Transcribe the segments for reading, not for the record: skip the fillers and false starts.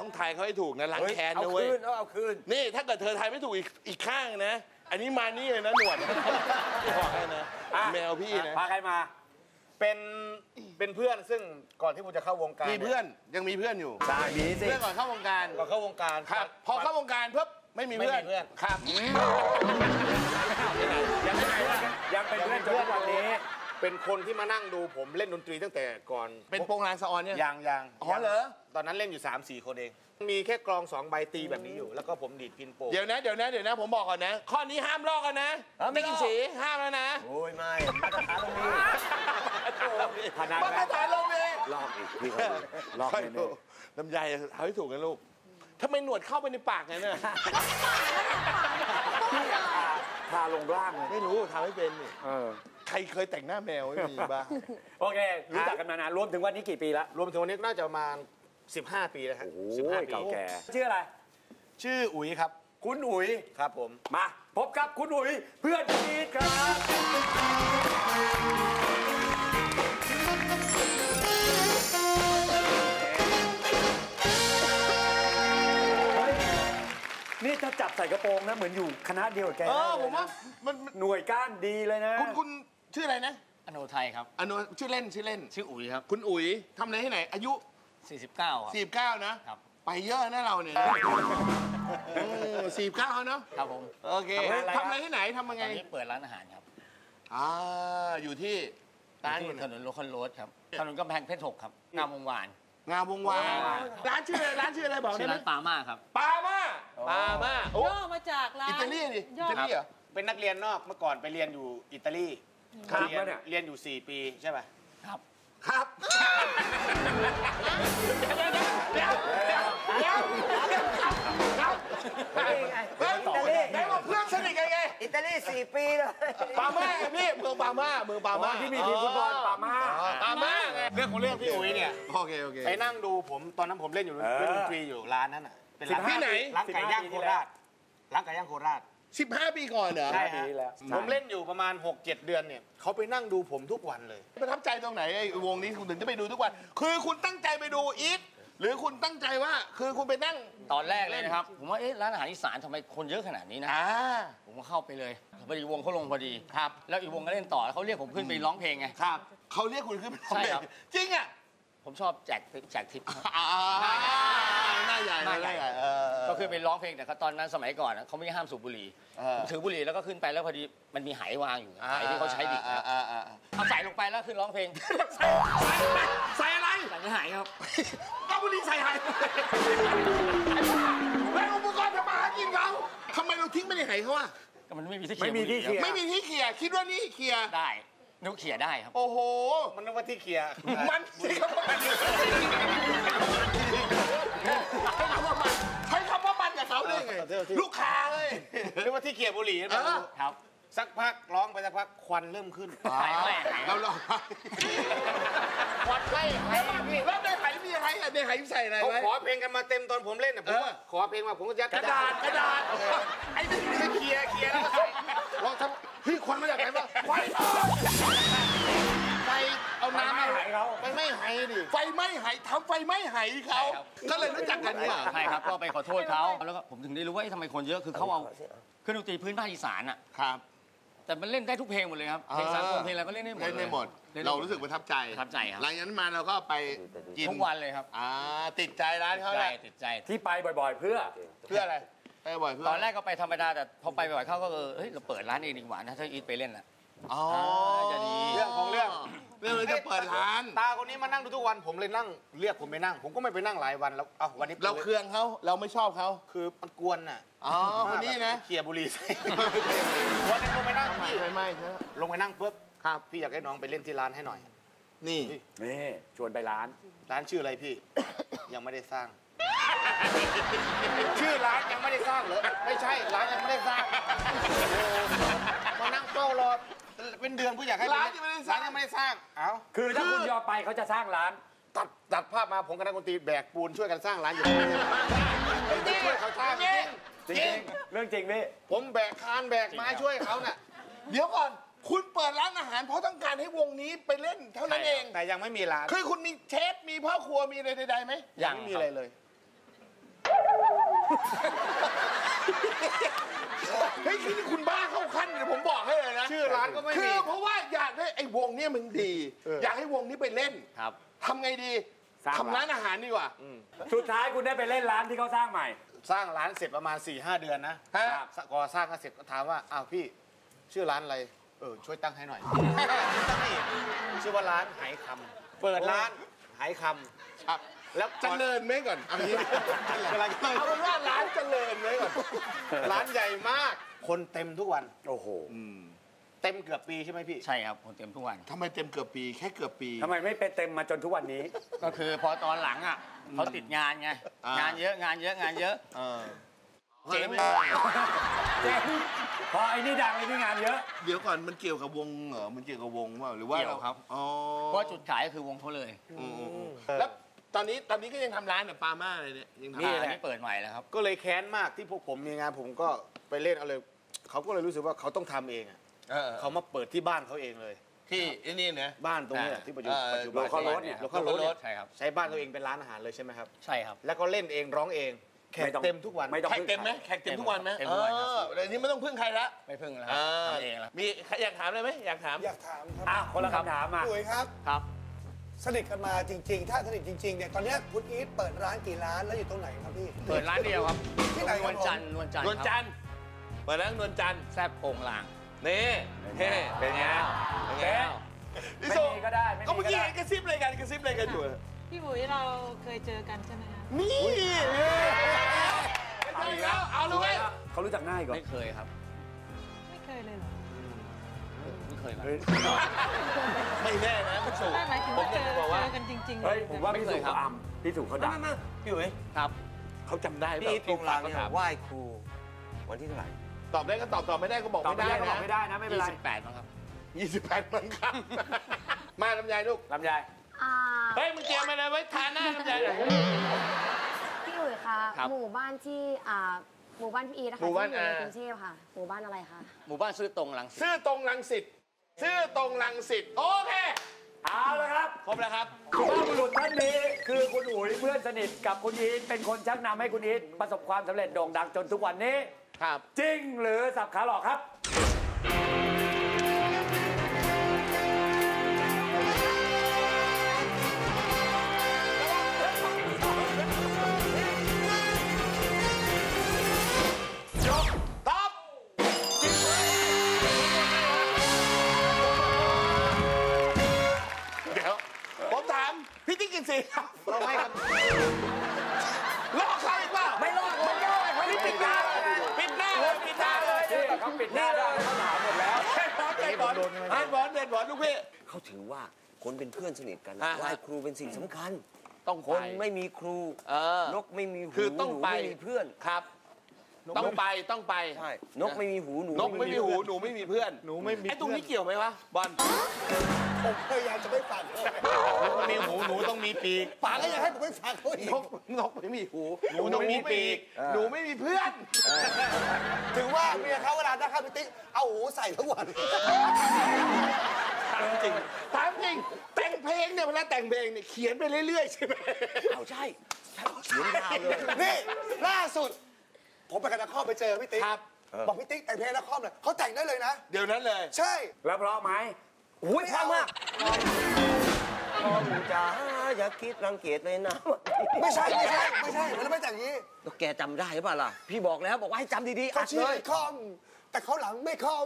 ต้องทายเขาให้ถูกนะล้างแค้นเอาด้วยคืนเอาคืนนี่ถ้าเกิดเธอทายไม่ถูกอีกข้างนะอันนี้มานี่เลยนะหนวดบอกให้นะแมวพี่นะพาใครมาเป็นเพื่อนซึ่งก่อนที่ผมจะเข้าวงการมีเพื่อนยังมีเพื่อนอยู่ใช่มีสิเพื่อนก่อนเข้าวงการก่อนเข้าวงการครับพอเข้าวงการปุ๊บไม่มีเพื่อนครับยังเป็นเพื่อนจนทุกวันนี้เป็นคนที่มานั่งดูผมเล่นดนตรีตั้งแต่ก่อนเป็นโปงลางสะออนเนี่ยยังอ๋อเหรอตอนนั้นเล่นอยู่ 3-4 คนเองมีแค่กลอง2 ใบตีแบบนี้อยู่แล้วก็ผมดีดพินโปเดี๋ยวนะผมบอกก่อนนะข้อนี้ห้ามลอกกันนะไม่กินสีห้ามแล้วนะโอ้ยไม่มาตรฐานตรงนี้มาตรฐานลงเลยลอกอีกพี่ลอกเลยลำไยเอาให้ถูกกันลูกทำไมหนวดเข้าไปในปากไงเนี่ยพาลงล่างเลยไม่รู้ทำให้เป็นนี่ใครเคยแต่งหน้าแมวไม่มีบ้างโอเครู้จักกันมานานรวมถึงวันนี้กี่ปีละรวมถึงวันนี้น่าจะประมาณ15 ปีแล้วฮะ 15 ปีเก่าแก่ชื่ออะไรชื่ออุ๋ยครับคุณอุ๋ยครับผมมาพบกับคุณอุ๋ยเพื่อนซีครับนี่ถ้าจับใส่กระโปรงนะเหมือนอยู่คณะเดียวกับแกผมว่ามันหน่วยก้านดีเลยนะคุณชื่ออะไรนะอโนไทยครับอโนชื่อเล่นชื่ออุ๋ยครับคุณอุ๋ยทำอะไรที่ไหนอายุ 49ครับ 49นะครับไปเยอะนะเราเนี่ย49เนาะครับผมโอเคทำอะไรที่ไหนทำยังไงตอนนี้เปิดร้านอาหารครับอยู่ที่ถนนโลคอลโรดครับถนนกำแพงเพชร6ครับงามวงวานร้านชื่ออะไรบอกได้ไหมร้านปาม่าครับปาม่าย่อมาจากร้านอิตาลีนี่อิตาลีเหรอเป็นนักเรียนนอกเมื่อก่อนไปเรียนอยู่อิตาลีเรียนอยู่4 ปีใช่ป่ะครับได้ว่าเพื่อนสนิทกันไงอิตาลี4 ปีเลยปาม่าพี่เมืองปาม่าที่มีทีมฟุตบอลปาม่าเรื่องของเรื่องพี่อุ๋ยเนี่ยโอเคไปนั่งดูผมตอนนั้นผมเล่นอยู่เล่นดนตรีอยู่ร้านนั้นอ่ะเป็นร้านที่ไหนร้านไก่ย่างโคราช 15 ปีก่อนเหรอใช่แล้วผมเล่นอยู่ประมาณ 6-7 เดือนเนี่ยเขาไปนั่งดูผมทุกวันเลยประทับใจตรงไหนไอ้วงนี้คุณถึงจะไปดูทุกวันคือคุณตั้งใจไปดูอีทหรือคุณตั้งใจว่าคือคุณไปนั่งตอนแรกเลยนะครับผมว่าร้านอาหารอีสานทำไมคนเยอะขนาดนี้นะผมก็เข้าไปเลยพอดีวงเขาลงพอดีครับแล้วอีกวงก็เล่นต่อเขาเรียกผมขึ้นไปร้องเพลงไงครับเขาเรียกคุณขึ้นไปร้องเพลงจริงอ่ะผมชอบแจกทิปหน้าใหญ่ก็คือไปร้องเพลงแต่ตอนนั้นสมัยก่อนเขาไม่ห้ามสูบบุหรี่ถือบุหรี่แล้วก็ขึ้นไปแล้วพอดีมันมีไหวางอยู่ไหที่เขาใช้ดิบเอาใส่ลงไปแล้วขึ้นร้องเพลงใส่อะไรใส่ไม่หายครับเอาบุหรี่ใส่หายแล้วอุปกรณ์ทำมาหากินเขาทำไมเราทิ้งไม่ได้ไหเขาอะก็มันไม่มีที่เขี่ยคิดว่านี่เขี่ยได้นุ๊กเขี่ยได้ครับโอ้โหมันนึกว่าที่เขี่ยมันสิครับใช้คำว่ามันกับเขาได้ไงลูกค้าเลยนึกว่าที่เขี่ยบุหรี่ครับสักพักร้องไปสักพักควันเริ่มขึ้นเราลองควันไม่หายแล้วในไหมีอะไรอ่ะในไหใส่อะไรเขาขอเพลงกันมาเต็มตอนผมเล่นเนี่ยผมขอเพลงมาผมก็ยัดกระดาษไอ้นี่เคลียร์แล้วลองทำเฮ้ยควันมาจากไหนมาไฟเอาน้ำไม่หายเขาไฟไม่หายดิไฟไม่หายทำไฟไม่หายเขาก็เลยรู้จักกันเนี่ยใช่ครับก็ไปขอโทษเขาแล้วก็ผมถึงได้รู้ว่าทำไมคนเยอะคือเขาเอาเครื่องดนตรีพื้นภาคอีสานอ่ะครับแต่มันเล่นได้ทุกเพลงหมดเลยครับเพลงสากลเพลงอะไรก็เล่นได้หมดเรารู้สึกประทับใจครับหลังจากนั้นมาเราก็ไปกินทุกวันเลยครับติดใจร้านเขาเลยติดใจที่ไปบ่อยๆเพื่ออะไรไปบ่อยเพื่อตอนแรกก็ไปธรรมดาแต่พอไปบ่อยเขาก็เฮ้ยเราเปิดร้านเองดีกว่านะถ้าอีทไปเล่นอ่ะจะดีเรื่องของเรื่องจะเปิดร้านตาคนนี้มานั่งดูทุกวันผมเลยนั่งเรียกผมไปนั่งผมก็ไม่ไปนั่งหลายวันแล้ววันนี้เราเคืองเขาเราไม่ชอบเขาคือมันกวนน่ะคนนี้นะเขี่ยบุหรี่ใส่วันนี้ลงไปนั่งพี่ไม่ลงไปนั่งปุ๊บพี่อยากให้น้องไปเล่นที่ร้านให้หน่อยนี่ชวนไปร้านชื่ออะไรพี่ยังไม่ได้สร้างชื่อร้านยังไม่ได้สร้างเหรอไม่ใช่ร้านยังไม่ได้สร้างมานั่งเฝ้ารอเป็นเดือนผู้อยากให้ร้านยังไม่ได้สร้างคือถ้าคุณยอมไปเขาจะสร้างร้านตัดภาพมาผมกับนักดนตรีแบกปูนช่วยกันสร้างร้านอยู่ช่วยเขาสร้างจริงเรื่องจริงพี่ผมแบกคานแบกไม้ช่วยเขาน่ะเดี๋ยวก่อนคุณเปิดร้านอาหารเพราะต้องการให้วงนี้ไปเล่นเท่านั้นเองแต่ยังไม่มีร้านคือคุณมีเชฟมีพ่อครัวมีอะไรใดๆไหมยังไม่มีอะไรเลยเฮ้ยนี่คุณบ้าเข้าขั้นเดี๋ยวผมบอกให้เลยนะชื่อร้านก็ไม่คืมีอเพราะว่าอยากได้ไอ้วงเนี้ยมันดี อยากให้วงนี้ไปเล่นครับทำไงดีสร้างทำร้านอาหารดีกว่าสุดท้ายคุณได้ไปเล่นร้านที่เขาสร้างใหม่สร้างร้านเสร็จประมาณ 4-5 เดือนนะฮะก่อสร้างกันเสร็จก็ถามว่าอ้าวพี่ชื่อร้านอะไรช่วยตั้งให้หน่อยตั้งให้ชื่อว่าร้านไหคำเปิดร้านไหคำครับแล้วเจริญไหมก่อนเอางี้กำลังจะเอาเป็นว่าร้านเจริญไหมก่อนร้านใหญ่มาก คนเต็มทุกวันโอ้โหเต็มเกือบปีใช่ไหมพี่ใช่ครับคนเต็มทุกวันทำไมเต็มเกือบปีแค่เกือบปีทำไมไม่เป็นเต็มมาจนทุกวันนี้ก็คือพอตอนหลังอ่ะเขาติดงานไงอ่างงานเยอะงานเยอะงานเยอะเออเจ๊งเจ๊งพอไอ้นี่ดังไอ้นี่งานเยอะเดี๋ยวก่อนมันเกี่ยวกับวงเหรอมันเกี่ยวกับวงเปล่าหรือว่าเกี่ยวครับอ๋อเพราะจุดขายก็คือวงเขาเลยแล้วตอนนี้ก็ยังทำร้านแบบปาม่าเลยเนี่ยยังทำนี่อัแหละนนี้เปิดใหม่แล้วครับก็เลยแค้นมากที่พวกผมมีงานผมก็ไปเล่นเอาเลยเขาก็เลยรู้สึกว่าเขาต้องทำเองอะ เขามาเปิดที่บ้านเขาเองเลยที่นี่นะบ้านตรงนี้แหละที่ปัจจุบัน Local ปัจจุบัน Road เนี่ยโลคอลรถเนี่ยใช่ครับใช้บ้านตัวเองเป็นร้านอาหารเลยใช่ไหมครับใช่ครับแล้วก็เล่นเองร้องเองแขกเต็มทุกวันไม่ต้องแขกเต็มไหมแขกเต็มทุกวันไหมเต็มทุกวันครับเดี๋ยวนี้ไม่ต้องพึ่งใครละไม่พึ่งแล้วครับทำเองแล้วมีใครอยากถามอะไรไหมอยากถามอยากถามครับอ้าวคนละคำถามมาพี่อุ๋ยครับครับสนิทกันมาจริง ๆ ถ้าสนิทจริงๆเนี่ยตอนเนี้ยคุณอีทเปิดร้านกี่ร้านแล้วอยู่ตรงไหนครับพี่เปิดร้านเดียวครับที่ไหนครับนวลจันทร์นวลจันทร์นวลจัครับนทร์เปิดร้านนวลจันทร์แซ่บโป่งลางนี่เฮ้เป็นไงเป็นไงไม่พี่สุมีก็ได้ไม่ก็มีเมื่อก็กี้ได้เห็นกระซิบอะไรกันกระซิบอะไรกันอยู่พี่บุ๋ยเราเคยเจอกันใช่ไหมคะนี่เอาอีกแล้วเอาเลยเขารู้จักง่ายก่อนไม่เคยครับไม่เคยเลยเหรอไม่เคยมาไม่แน่นะพี่สุไม่หมายถึงผมว่าเจอยากอจะบอกว่ากันจริงๆเฮ้ยเลยผมว่าพี่สุไม่เคยครับเขาอัมพี่สุเขาดังพี่อุ๋ยครับเขาจำได้พี่ตรงรางเนี่ยถามไหว้ครูวันที่เท่าไหร่ตอบได้ก็ตอบไม่ได้ก็บอกตอบไม่ไม่ได้ได้ก็บนะอกไม่ได้นะไม่เป็นไร 28มั้งครับ 28มั้งครับ มาลำไยลูกลำไยเฮ้ยมึงเตรียมมาเลยไว้ทาหน้าลำไยหน่อยพี่อุ๋ยคะครับหมู่บ้านที่หมู่บ้านพี่อีนะคะหมู่บ้านที่อยู่ในกรุงเทพค่ะ หมู่บ้านอะไรคะหมู่บ้านซื้อตรงหลังสิตซื่อตรงรังสิตซื่อตรงรังสิตโอเคเอาละครับครบแล้วครับสุภาพบุรุษท่านนี้คือคุณอุ๋ยเพื่อนสนิทกับคุณอีทเป็นคนชักนำให้คุณอีทประสบความสำเร็จโด่งดังจนทุกวันนี้ครับจริงหรือสับขาหลอกครับตอบเดี๋ยว ผมถามพี่ติ๊กกินสีครับเราให้ครับลอกเขาอีกเปล่าไม่รอดไม่รอดเขาที่ปิดหน้าปิดหน้าเลยปิดหน้าเลยนี่เขาปิดหน้าได้เขาถามหมดแล้วเด็ดบอลเด็ดบอลเด็ดบอลลูกพี่เขาถือว่าคนเป็นเพื่อนสนิทกันอ่าฮะไหว้ครูเป็นสิ่งสำคัญต้องคไปนไม่มีครู นกไม่มีหูคือต้องหนูไปไม่มีเพื่อนครับ ต้องไปต้องไปใช่นกไม่มีหูหนูนกไม่มีหูหนูไม่มีเพื่อนหนูไม่มีไอ้ตรงนี้เกี่ยวไหมวะบอลผมพยายามจะไม่ฟังมีหูหนูต้องมีปีกป๋าก็อยากให้ผมไม่ฟังเขาอีกนกไม่มีหูหนูต้องมีปีกหนูไม่มีเพื่อนถึงว่าเมียเขาเวลาได้ข้าวพี่ติ๊กเอาหูใส่ทั้งวันถามจริงถามจริงแต่งเพลงเนี่ยเวลาแต่งเพลงเนี่ยเขียนไปเรื่อยๆใช่ไหมเอาใช่เขียนยาวเลยนี่ล่าสุด ผมไปกับนักคอมไปเจอพี่ติ๊กครับบอกพี่ติ๊กแต่งเพลงนักคอมเลยเขาแต่งได้เลยนะเดี๋ยวนั้นเลยใช่แล้วเพราะไหมอุ้ยพลาดมากพ่อหนูจ๋าอย่าคิดรังเกียจเลยนะไม่ใช่มันไม่แต่งอย่างนี้แล้วแกจำได้หรือเปล่าล่ะ พี่บอกแล้วบอกว่าให้จำดีๆเขาอัดชื่เลอย คอม แต่เขาหลังไม่คอม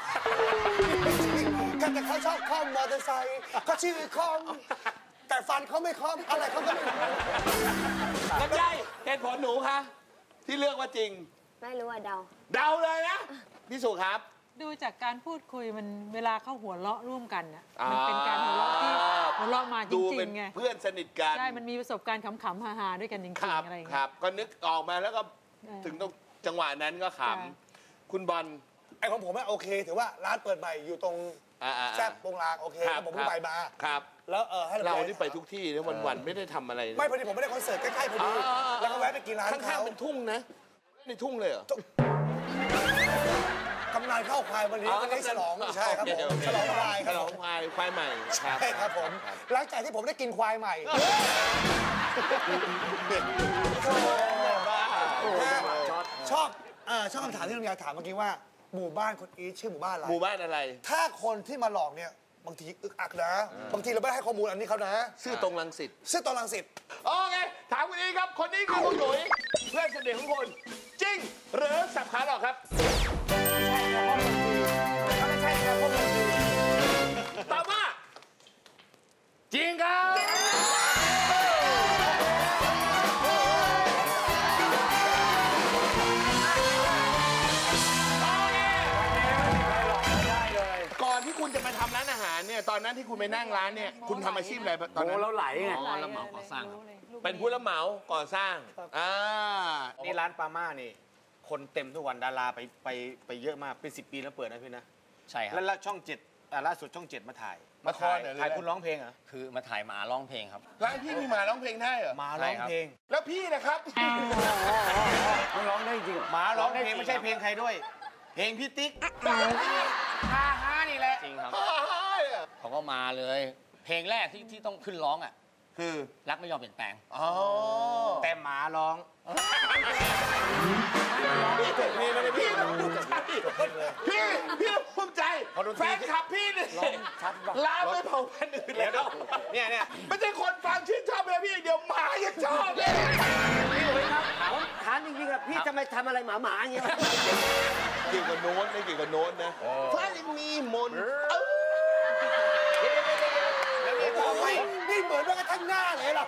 แต่เขาชอบคอมมอเตอร์ไซค์เขาชื่อคอม แต่ฟันเขาไม่คอมอะไรเขาก็ไม่รู้ลำไยเหตุผลหนูคะที่เลือกว่าจริงไม่รู้ว่าเดาเดาเลยนะพี่สุครับดูจากการพูดคุยมันเวลาเขาหัวเราะร่วมกันน่ะมันเป็นการหัวเราะที่หัวเราะมาจดูริเป็นงๆไงเพื่อนสนิทกันใช่มันมีประสบการณ์ขำๆฮาๆด้วยกันจริงครับๆอะไรอย่างคเงี้รัยบก็นึกออกมาแล้วก็เออถึงต้องจังหวะนั้นก็ขค่ะำคุณบอลไอ้ของผมโอเคถือว่าร้านเปิดใหม่อยู่ตรง แซ่บโปงลางโอเคครับผมเพิ่งไปมาครับแล้วให้เรานี่ไปทุกที่นะวันๆไม่ได้ทำอะไรนะไม่พอดีผมไม่ได้คอนเสิร์ตใกล้ๆพอดีแล้วก็แวะไปกินร้านข้างเขาๆเป็นทุ่งนะในทุ่งเลยเหรอกำนันเข้าควายวันนี้วันนี้ฉลองใช่ครับผมฉลองควายคฉรับลผองมควายใหม่ครับใช่ครับผมหลังจากที่ผมได้กินควายใหม่บ้าชอบคำถามที่ลุงยายถามเมื่อกี้ว่าหมู่บ้านคุณอีทชื่อหมู่บ้านอะไรหมู่บ้านอะไรถ้าคนที่มาหลอกเนี่ยบางทีอึกอักนะบางทีเราไม่ได้ให้ข้อมูลอันนี้เขานะชื่อตรงรังสิตซึ่งตอนรังสิตโอเคถามคุณอีทครับคนนี้คือคุณหนุ่ยเพื่อนสนิทของคุณจริงหรือสับขาหลอกครับตอบว่าจริงครับก่อนที่คุณจะมาทำร้านอาหารเนี่ยตอนนั้นที่คุณไปนั่งร้านเนี่ยคุณทำอาชีพอะไรตอนโอ้นั้นเราไหลไงอ๋อรับเหมาก่อสร้างครับเป็นผู้รับเหมาก่อสร้างนี่ร้านปาม่านี่ คนเต็มทุกวันดาราไปเยอะมากเป็น10 ปีแล้วเปิดนะพี่นะใช่ครับแล้วช่อง7ล่าสุดช่อง7มาถ่ายมาถ่ายถ่ายคุณร้องเพลงเหรอคือมาถ่ายหมาร้องเพลงครับร้านพี่มีหมาร้องเพลงได้เหรอมาร้องเพลงแล้วพี่นะครับมันร้องได้จริงเหรอหมาร้องเพลงไม่ใช่เพลงใครด้วย เพลงพี่ติ๊กฮ่าฮ่านี่แหละจริงครับ เขาก็มาเลย เพลงแรกที่ต้องขึ้นร้องอ่ะคือรักไม่ยอมเปลี่ยนแปลงอ๋อแต่หมาร้องพี่จบเพลงเลยพี่พี่ภูมิใจแฟนคลับพี่เนี่ยลาไม่เผาพันธุ์อื่นแล้วเนี่ยไม่ใช่คนฟังชื่นชอบเลยพี่เดี๋ยวหมายังชอบเลยถามจริงๆอะพี่จะไม่ทำอะไรหมาๆอย่างเงี้ยเกี่ยวกับโน้ตไม่เกี่ยวกับโน้ตนะฟ้ายังมีมนต์นี่เหมือนแม้กระทั่งหน้าเลยล่ะ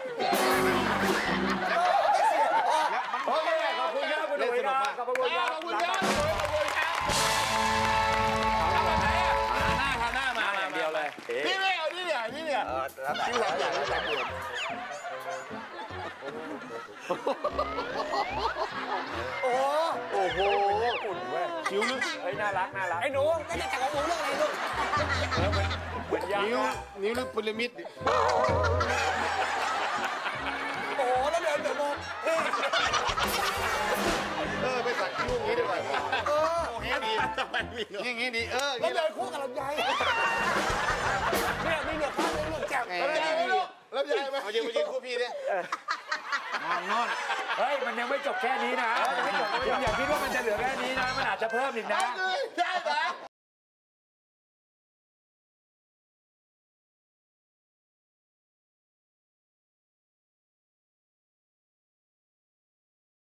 โอเคขอบคุณครับคุณหนุ่ยนะขอบคุณครับขอบคุณครับขอบคุณครับทำอะไรอ่ะทำหน้ามาอย่างเดียวเลยพี่ไม่เอานี่เนี่ยพี่หลังอย่างนี้หลังด่วนโอ้โหคิ้วลึกเฮ้ยน่ารักไอ้หนูไม่ได้จับของหนูเรื่องอะไรลูกเหมือนยานิ้วลึกพีระมิดโอ้โหแล้วเดี๋ยวมองเฮ้ยไปสักคิ้วอย่างนี้ดีกว่าอย่างนี้ดีแล้วเดินคู่กับลำไยเนี่ยมีเหนือข้างมีเหนือแจ่มแล้วยายไหมลูกแล้วยายไหมเอายืนมายืนคู่พี่ดิมองโน่นเฮ้ยมันยังไม่จบแค่นี้นะอย่าคิดว่ามันจะเหลือแค่นี้นะมันอาจจะเพิ่มอีกนะได้ไหม